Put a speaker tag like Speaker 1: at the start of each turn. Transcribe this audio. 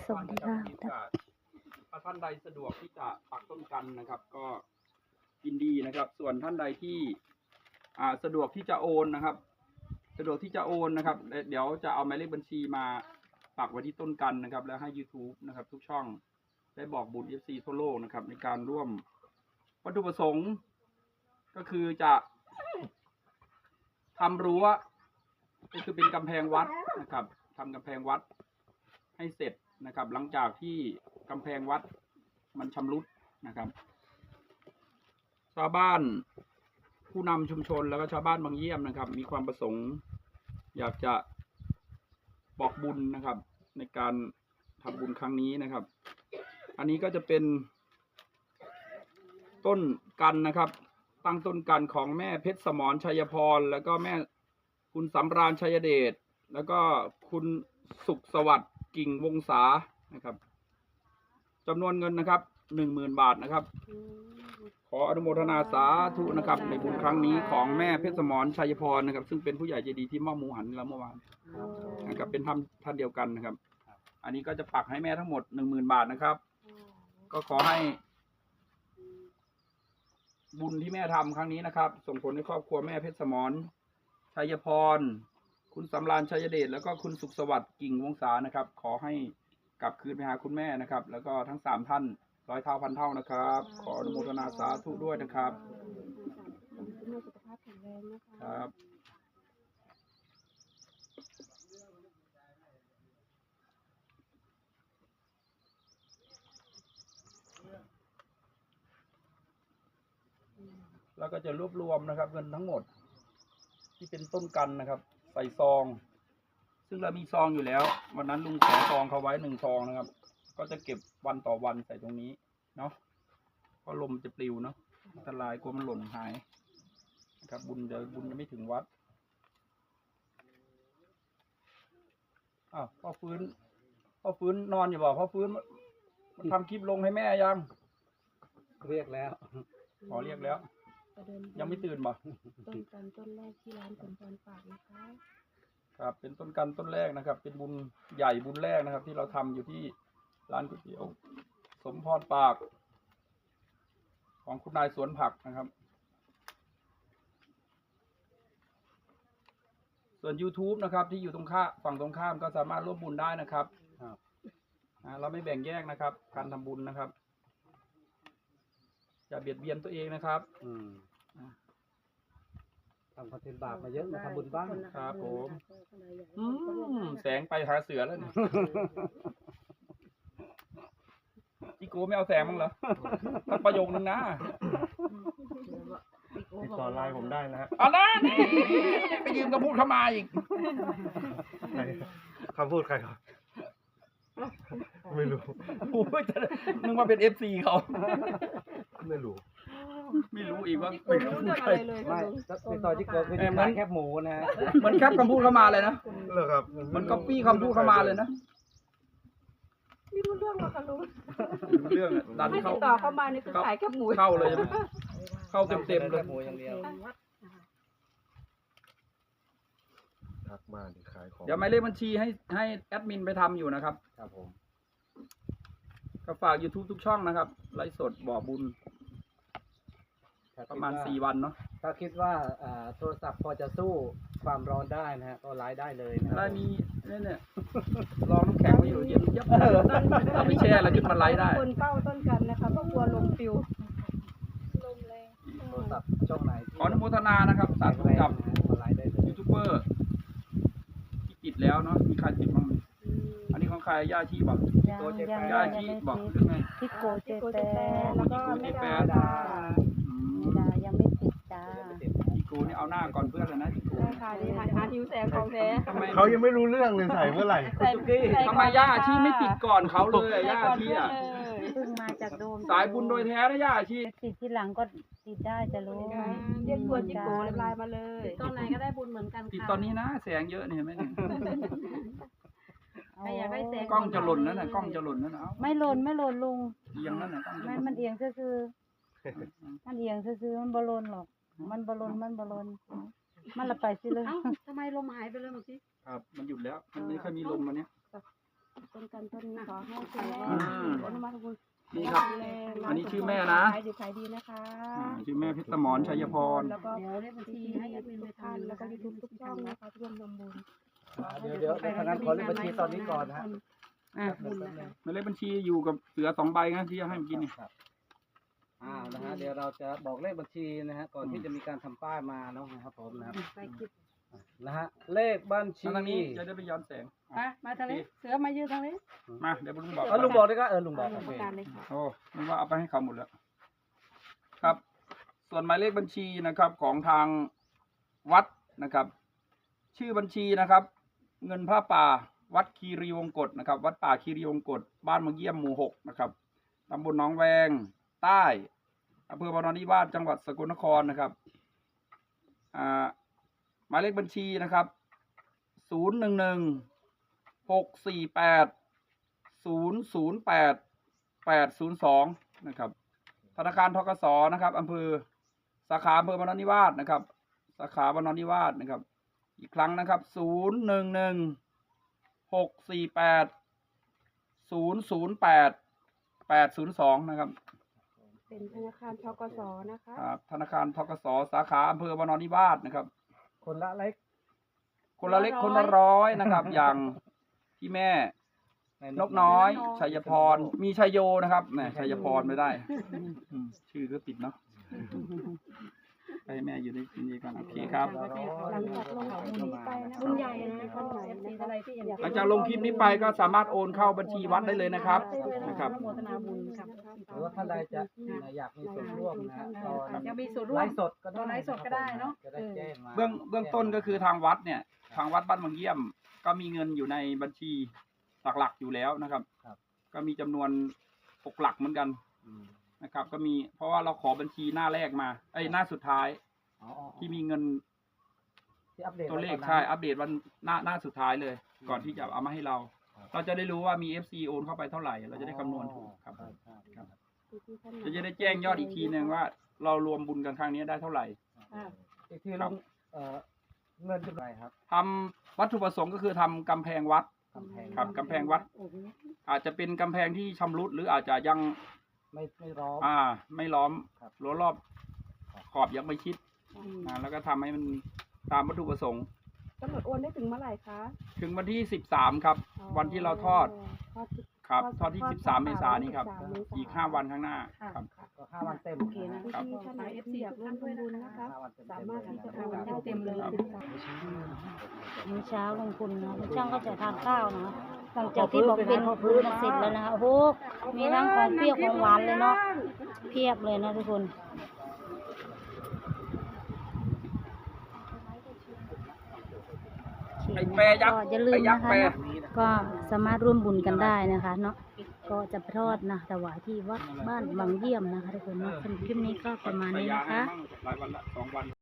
Speaker 1: สวัสดีค่ะ
Speaker 2: ถ้าท่านใดสะดวกที่จะปักต้นกันนะครับ ก็ยินดีนะครับ ส่วนท่านใดที่สะดวกที่จะโอนนะครับ เดี๋ยวจะเอาหมายเลขบัญชีมาปักไว้ที่ต้นกันนะครับ แล้วให้ YouTube นะครับ ทุกช่องได้บอกบุญ FC ทั่วโลกนะครับ ในการร่วมวัตถุประสงค์ก็คือจะทำรั้วก็คือเป็นกำแพงวัดนะครับทำกำแพงวัดให้เสร็จนะครับ หลังจากที่กำแพงวัดมันชำรุดนะครับ ชาวบ้านผู้นำชุมชนแล้วก็ชาวบ้านบางเยี่ยมนะครับ มีความประสงค์อยากจะบอกบุญนะครับ ในการทำบุญครั้งนี้นะครับ อันนี้ก็จะเป็นต้นกันนะครับ ตั้งต้นกันของแม่เพชรสมรชัยพรแล้วก็แม่คุณสำราญชัยเดชแล้วก็คุณสุขสวัสดิ์กิ่งวงศานะครับจำนวนเงินนะครับ10,000 บาทนะครับ ขออนุโมทนาสาธุนะครับในบุญครั้งนี้ของแม่เพชรสมรชัยพรนะครับ ซึ่งเป็นผู้ใหญ่ใจดีที่มอบหมูหันเราเมื่อวานนะครับเป็นท่านเดียวกันนะครับ อันนี้ก็จะปักให้แม่ทั้งหมด10,000 บาทนะครับ ก็ขอให้บุญที่แม่ทำครั้งนี้นะครับ ส่งผลให้ครอบครัวแม่เพชรสมรชัยพรคุณสำราญชัยเดชแล้วก็คุณสุขสวัสดิ์กิ่งวงศานะครับ ขอให้กลับคืนไปหาคุณแม่นะครับ แล้วก็ทั้ง3ท่าน100 เท่าพันเท่านะครับ ขออนุโมทนาสาธุด้วยนะครับครับแล้วก็จะรวบรวมนะครับเงินทั้งหมดที่เป็นต้นกันนะครับ ใส่ซอง ซึ่งเรามีซองอยู่แล้ว วันนั้นลุงขอซองเขาไว้1 ซองนะครับ ก็จะเก็บวันต่อวันใส่ตรงนี้เนาะเพราะลมจะปลิวเนาะอันตรายกลัวมันหล่นหายนะครับบุญจะไม่ถึงวัดพ่อฟื้นนอนอยู่บ่พ่อฟื้นมันทำคลิปลงให้แม่ยัง
Speaker 3: เรียกแล้ว
Speaker 2: ขอเรียกแล้วยังไม่ตื่นบ่
Speaker 1: ต้นกันต้นแรกที่ร้านสมพรฝากนะคะ
Speaker 2: ครับเป็นต้นกันต้นแรกนะครับ เป็นบุญใหญ่บุญแรกนะครับ ที่เราทำอยู่ที่ร้านก๋วยเตี๋ยวสมพรปากของคุณนายสวนผักนะครับ ส่วน YouTube นะครับที่อยู่ฝั่งตรงข้ามก็สามารถร่วมบุญได้นะครับเราไม่แบ่งแยกนะครับการทำบุญนะครับอย่าเบียดเบียนตัวเองนะครับ
Speaker 3: ทำคอนเทนต์บาปมาเยอะมาทำบุญบ้าง
Speaker 2: ครับผมแสงไปหาเสือแล้วเนี่ยจิโก้ไม่เอาแสงมั้งเหรอสักประโยคนึงนะ
Speaker 3: ติดต่อไลน์ผมได้นะฮะ
Speaker 2: เอาละนี่ไปยืมคำพูดเข้ามาอีก
Speaker 3: คำพูดใครครับไม่รู้
Speaker 2: โอ้ยนึกว่าเป็น FC เขา
Speaker 3: ไม่รู้
Speaker 2: อีกว่า
Speaker 1: ไม่รู้เรื่องอะไรเลย
Speaker 3: ไม่ติดต่อที่เกิดคือแคบหมูนะฮะ
Speaker 2: มันแคบคำพูดเข้ามาเลยนะ
Speaker 3: เหรอครับ
Speaker 2: มันก๊อปปี้คำพูดเข้ามาเลยนะ
Speaker 1: ไม่รู้เรื่องหรอกค่ะลุง
Speaker 2: เรื่องดัน
Speaker 1: เข้าต่อเข้ามานี่คือขายแคบหมู
Speaker 2: เข้าเลยใช่ไหมเข้าเต็มเลย
Speaker 3: หมูอย่างเดียวทักมาขายของ
Speaker 2: เดี๋ยวหมายเลขบัญชีให้แอดมินไปทำอยู่นะครับ
Speaker 3: ครับผม
Speaker 2: ก็ฝาก YouTube ทุกช่องนะครับไลฟ์สดบ่อบุญประมาณ4 วันเนาะ
Speaker 3: ถ้าคิดว่าโทรศัพท์พอจะสู้ความร้อนได้นะฮะก็ไลฟ์ได้เลยนะ
Speaker 2: ได้มีเนี่ยรองน้ำแข็งไว้อยู่เย็นยับเราไม่แช่แล้วขึ้นมาไลฟ์ได้
Speaker 1: คนเป้าต้นกันนะคะเพราะกลัวลมปิวลมแรง
Speaker 3: โทรศัพท์ช่องไหน
Speaker 2: ขออนุโมทนานะครับสาธุกับยูทูบเบอร์ที่ติดแล้วเนาะมีใครติดบ้างอันนี้ของใครย่าชีบอกย่าชีบอกหรือไง
Speaker 1: ทิโกเจแปแล้วก็ไม่ดายังไม่ติดจ้า
Speaker 2: ทิโกนี่เอาหน้าก่อนเพื่อนเลยนะทิโก
Speaker 1: ค่ะดีหาทิวแสงของแท้
Speaker 3: เขายังไม่รู้เรื่องเลยใส่เมื่อไหร่
Speaker 2: ทำไมย่าชีไม่ติดก่อนเขาเลยย่าชีอ่ะ
Speaker 1: เพิ่งมาจากโดม
Speaker 2: สายบุญโดยแท้นะย่าชี
Speaker 1: ติดที่หลังก็ติดได้จะรู้เรียกตัวจิโกไลน์มาเลยตอนไหนก็ได้บุญเหมือนกันค่ะ
Speaker 2: ติดตอนนี้นะแสงเยอะเนี่ยไม่เนี่ย
Speaker 1: อยากได้แสง
Speaker 2: กล้องจะหล่นนั่นน่ะกล้องจะหล่นนั่นเอา
Speaker 1: ไม่หล่นลุง
Speaker 2: เอียงนั่นน่ะ
Speaker 1: ไม่มันเอียงซื่อมันเอียงซื่อมันบอลนหรอกมันบอลนมันละไปสิเลย
Speaker 4: ทำไมลมหายไปเลยเมื่อกี้
Speaker 2: ครับมันหยุดแล้วมันไม่ค่อยมีลมวันนี้
Speaker 1: ต้นกันต้นขอให้คุณแม่อนุโมทนาบุญ
Speaker 2: นี่ครับ อันนี้ชื่อแม่นะ
Speaker 1: ขายดีขายดีนะคะ
Speaker 2: ชื่อแม่เพชรสมรชัยพร
Speaker 1: แล้วก็เลขบัญชีให้แอดมินไปทานแล้วก็ยูทูบทุกช่องนะคะร่วมทำบุญ
Speaker 3: เดี๋ยวทางนั้นขอเลขบัญชีตอนนี้ก่อนนะฮะ
Speaker 2: หมายเลขบัญชีอยู่กับเสือ2 ใบนะที่จะให้เมื่อกี้นี่
Speaker 3: นะฮะเดี๋ยวเราจะบอกเลขบัญชีนะฮะก่อนที่จะมีการทำป้ายมาเนาะนะครับผมนะครับนะฮะเลขบัญชี
Speaker 2: ทางนี้จะได้ไปย้อนแสง
Speaker 1: มาทางนี้เสือมายืนทางนี้
Speaker 2: มาเดี๋ยวลุงบอก
Speaker 3: ลุงบอกด้วยก็ลุงบอกโอ
Speaker 1: ประ
Speaker 3: เค
Speaker 1: กาศเลยค่ะ
Speaker 2: โอ้ลุงว่าเอาไปให้เขาหมดแล้วครับ ส่วนหมายเลขบัญชีนะครับของทางวัดนะครับ ชื่อบัญชีนะครับ เงินผ้าป่าวัดคีรีวงกฏนะครับ วัดป่าคีรีวงกฏบ้านมะเยี่ยมหมู่ 6นะครับตำบลหนองแวงใต้อำเภอบารนิวาสจังหวัดสกลนครนะครับหมายเลขบัญชีนะครับ011-648-008802นะครับธนาคารธกสนะครับอำเภอสาขาอำเภอบารนิวาสนะครับสาขาบารนิวาสนะครับอีกครั้งนะครับ011-648-008802นะครับ
Speaker 1: เป็นธนาคารธกสนะคะ
Speaker 2: ธนาคารธกสสาขาอำเภอบารนิวาสนะครับ
Speaker 3: คนละเล็ก
Speaker 2: คนละเล็กคนละร้อยนะครับ อย่างพี่แม่นกน้อยชัยพรมีชัยโยนะครับแหมชัยพรไม่ได้ชื่อก็ติดเนาะให้แม่อยู่ในนี้กันโอเคครับ
Speaker 1: หลังจากลงคลิปนี้ไปนะบุญใหญ่นะท่านไหนนะคะ
Speaker 2: หลังจากลงคลิปนี้ไปก็สามารถโอนเข้าบัญชีวัดได้เลยนะครับนะครับ
Speaker 1: อนุโมทนาบุญค่ะ
Speaker 3: หรือว่าท่านใดจะอยากมีส่วนร่วมนะฮะตอน
Speaker 1: จะมีส่วนร่ว
Speaker 3: ไล
Speaker 1: ม
Speaker 3: ฟ์สดก็ได้
Speaker 1: ไลฟ์สดก็ได้เนาะ
Speaker 3: จะได้แจ้งมา
Speaker 2: เบื้องต้นก็คือทางวัดเนี่ยทางวัดบ้านบางเยี่ยมก็มีเงินอยู่ในบัญชีหลักๆอยู่แล้วนะครับก็มีจำนวน6 หลักเหมือนกันนะครับก็มีเพราะว่าเราขอบัญชีหน้าแรกมาหน้าสุดท้ายที่มีเงิน
Speaker 3: ที่อัปเดต
Speaker 2: ตัวเลขใช่อัปเดตวันหน้าสุดท้ายเลย ก่อนที่จะเอามาให้เรา เราจะได้รู้ว่ามี FC โอนเข้าไปเท่าไหร่เราจะได้คำนวณถูกครับจะได้แจ้งยอดอีกทีนึงว่าเรารวมบุญกันครั้งนี้ได้เท่าไหร่
Speaker 3: อีกทีลงเงินจุดไหนครับ
Speaker 2: ทำวัตถุประสงค์ก็คือทำกำแพงวัด ครับกำแพงวัด อาจจะเป็นกำแพงที่ชำรุดหรืออาจจะยัง
Speaker 3: ไม่ร้อม
Speaker 2: ไม่ล้อมรั้วรอบขอบยังไม่ชิดแล้วก็ทำให้มันตามวัตถุประสงค์
Speaker 1: กำหนดโอนได้ถึงเมื่อไหร่คะ
Speaker 2: ถึงวันที่13ครับ วันที่เราทอดครับทอดที่13 เมษายนนี้ครับอีก5 วันข้างหน้าครับ
Speaker 3: ก็5 วันเต็ม
Speaker 1: โอเคนะที่ท่านไหนFCอยากร่วมทำบุญนะคะสามารถที่จะโอนได้เต็มเลย
Speaker 4: มื้อเช้าลงทุนนะลุงช่างก็จะทานข้าวนะหลังจากที่บอกเป็นพื้นเสร็จแล้วนะคะโอ้โหมีทั้งของเปรี้ยวของหวานเลยเนาะเพียบเลยนะทุกคนก็อย่าลืมนะคะก็สามารถร่วมบุญกันได้นะคะเนาะก็จะไปทอดนะถวายที่วัดบ้านบางเยี่ยมนะคะทุกคนเนาะสำหรับคลิปนี้ก็ประมาณนี้นะคะ
Speaker 2: หลายวันละ2 วัน